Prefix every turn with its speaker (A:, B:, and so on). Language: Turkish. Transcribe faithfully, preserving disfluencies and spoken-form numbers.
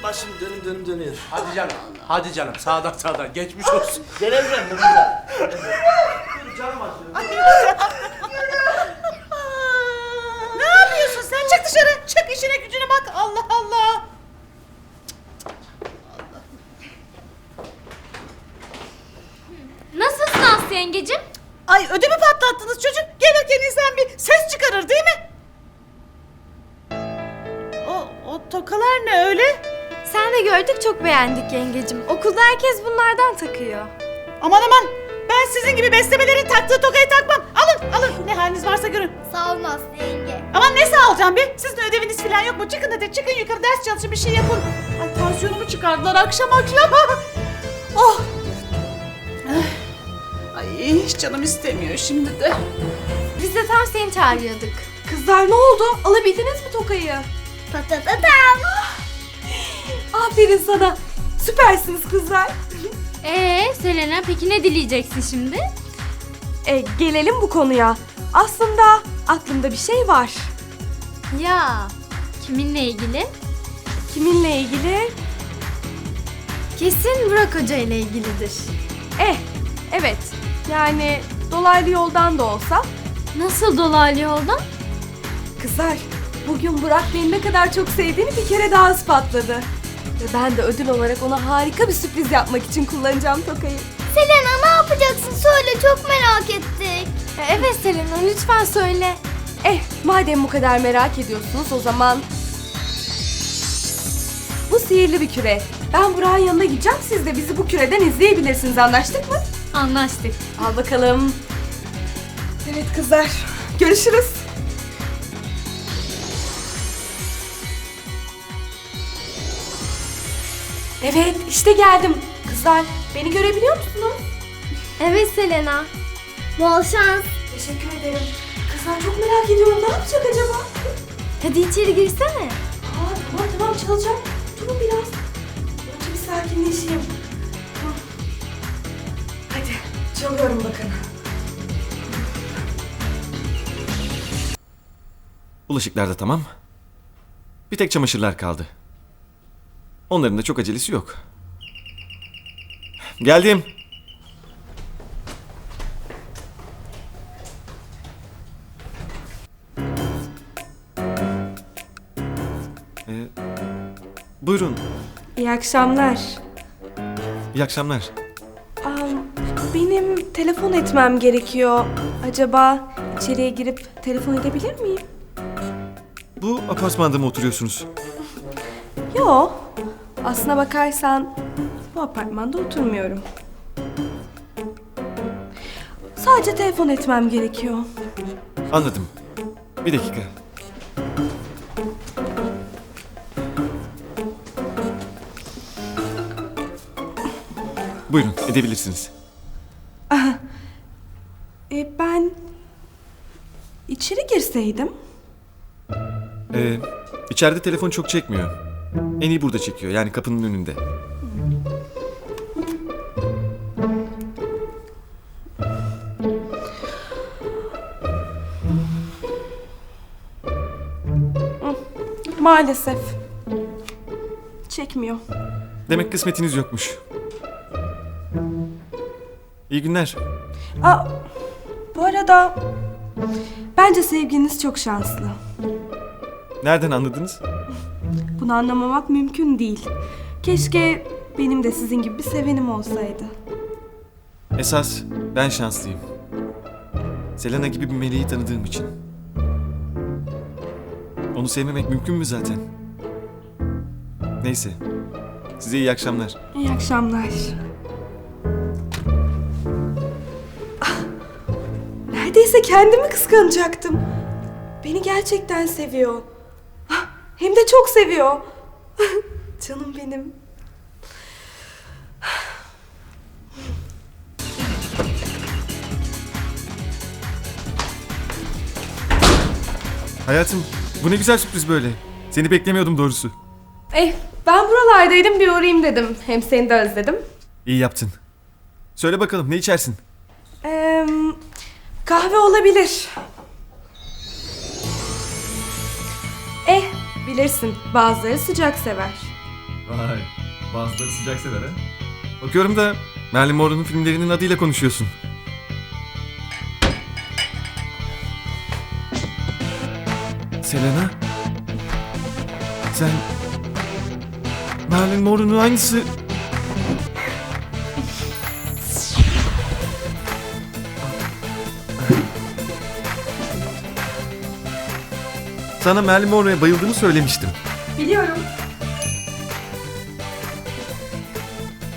A: Başım dönüm dönüm dönüyor.
B: Hadi canım, hadi canım. Sağdan sağdan. Geçmiş olsun.
A: Geleceğim bu güzel. Canım acıyor.
C: Ne yapıyorsun sen? Çık dışarı. Çık işine gücüne bak. Allah Allah.
D: Nasılsın Aslı yengecim?
C: Ay ödümü patlattınız çocuk. Gelirken insan bir ses çıkarır değil mi? O, o tokalar ne öyle?
D: Sen de gördük, çok beğendik yengecim. Okulda herkes bunlardan takıyor.
C: Aman aman. Ben sizin gibi beslemelerin taktığı tokayı takmam. Alın alın. Ne haliniz varsa görün.
E: Sağ olun Aslı yenge.
C: Aman ne sağ olacağım be? Sizin ödeviniz falan yok mu? Çıkın hadi çıkın yukarı ders çalışın bir şey yapın. Ay tansiyonumu çıkardılar akşam akşam. Oh. Ay hiç canım istemiyor şimdi de.
D: Biz de tam seni çağırıyorduk.
F: Kızlar ne oldu? Alabildiniz mi tokayı?
E: Patatatam.
F: Aferin sana. Süpersiniz kızlar.
D: Ee Selena, peki ne dileyeceksin şimdi?
F: E, gelelim bu konuya. Aslında aklımda bir şey var.
D: Ya kiminle ilgili?
F: Kiminle ilgili?
D: Kesin Burak Hoca ile ilgilidir.
F: Eh, evet. Yani dolaylı yoldan da olsa.
D: Nasıl dolaylı yoldan?
F: Kızlar, bugün Burak beni ne kadar çok sevdiğini bir kere daha ispatladı. Ve ben de ödül olarak ona harika bir sürpriz yapmak için kullanacağım tokayı.
E: Selena ne yapacaksın? Söyle, çok merak ettik.
D: E, evet Selena, lütfen söyle.
F: Eh, madem bu kadar merak ediyorsunuz o zaman... Bu sihirli bir küre. Ben Burak'ın yanına gideceğim, siz de bizi bu küreden izleyebilirsiniz, anlaştık mı?
D: Anlaştık.
F: Al bakalım. Evet kızlar, görüşürüz. Evet, işte geldim. Kızlar, beni görebiliyor musunuz?
D: Evet Selena.
E: Bol şans.
F: Teşekkür ederim. Kızlar çok merak ediyorum, ne yapacak acaba?
D: Hadi içeri girsene.
F: Aa, tamam tamam çalacağım. Durun biraz. Önce bir sakinleşeyim. Tamam. Hadi, çalıyorum bakın.
G: Bulaşıklar da tamam. Bir tek çamaşırlar kaldı. Onların da çok acelesi yok. Geldim. Ee, buyurun.
F: İyi akşamlar.
G: İyi akşamlar.
F: Am, benim telefon etmem gerekiyor. Acaba içeriye girip telefon edebilir miyim?
G: Bu apartmanda mı oturuyorsunuz?
F: Yo. Aslına bakarsan bu apartmanda oturmuyorum. Sadece telefon etmem gerekiyor.
G: Anladım. Bir dakika. Buyurun, edebilirsiniz.
F: E, ben içeri girseydim.
G: Ee, içeride telefon çok çekmiyor. En iyi burada çekiyor, yani kapının önünde.
F: Maalesef. Çekmiyor.
G: Demek kısmetiniz yokmuş. İyi günler.
F: Aa, bu arada bence sevgiliniz çok şanslı.
G: Nereden anladınız?
F: Bunu anlamamak mümkün değil. Keşke benim de sizin gibi bir sevenim olsaydı.
G: Esas ben şanslıyım. Selena gibi bir meleği tanıdığım için. Onu sevmemek mümkün mü zaten? Neyse. Size iyi akşamlar.
F: İyi akşamlar. Ah, neredeyse kendimi kıskanacaktım. Beni gerçekten seviyor. Ah, hem de çok seviyor. Canım benim.
G: Hayatım, bu ne güzel sürpriz böyle. Seni beklemiyordum doğrusu.
F: Eh, ben buralardaydım, bir uğrayayım dedim. Hem seni de özledim.
G: İyi yaptın. Söyle bakalım, ne içersin?
F: Ee, kahve olabilir. Eh, bilirsin bazıları sıcak sever.
G: Vay, bazıları sıcak sever ha. Bakıyorum da Marilyn Monroe'nun filmlerinin adıyla konuşuyorsun. Selena? Sen... Marilyn Monroe'nun aynısı... Sana Marilyn Monroe'ya bayıldığımı söylemiştim.
F: Biliyorum.